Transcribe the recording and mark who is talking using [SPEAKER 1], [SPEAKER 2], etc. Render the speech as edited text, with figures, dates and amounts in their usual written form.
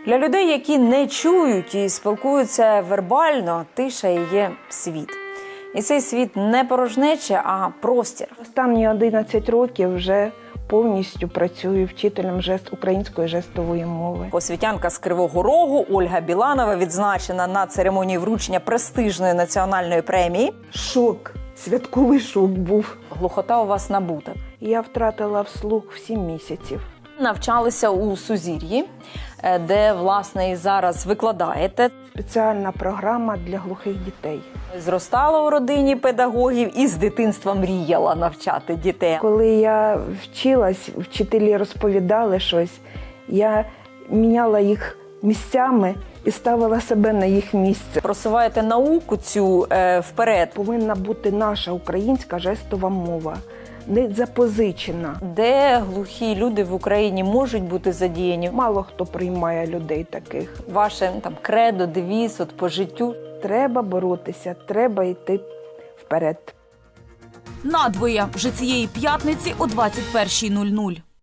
[SPEAKER 1] Для людей, які не чують і спілкуються вербально, тиша і є світ. І цей світ не порожнеча, а простір.
[SPEAKER 2] Останні 11 років вже повністю працюю вчителем української жестової мови.
[SPEAKER 1] Освітянка з Кривого Рогу Ольга Біланова відзначена на церемонії вручення престижної національної премії.
[SPEAKER 2] Шок, святковий шок був.
[SPEAKER 1] Глухота у вас набута.
[SPEAKER 2] Я втратила вслух в 7 місяців.
[SPEAKER 1] Навчалися у Сузір'ї, де, власне, і зараз викладаєте.
[SPEAKER 2] Спеціальна програма для глухих дітей.
[SPEAKER 1] Зростала у родині педагогів і з дитинства мріяла навчати дітей.
[SPEAKER 2] Коли я вчилась, вчителі розповідали щось, я міняла їх місцями і ставила себе на їх місце.
[SPEAKER 1] Просуваєте науку цю вперед.
[SPEAKER 2] Повинна бути наша українська жестова мова, не запозичена.
[SPEAKER 1] Де глухі люди в Україні можуть бути задіяні?
[SPEAKER 2] Мало хто приймає людей таких.
[SPEAKER 1] Ваше кредо, девіз по життю.
[SPEAKER 2] Треба боротися, треба йти вперед.
[SPEAKER 3] Надвоє вже цієї п'ятниці о 21:00.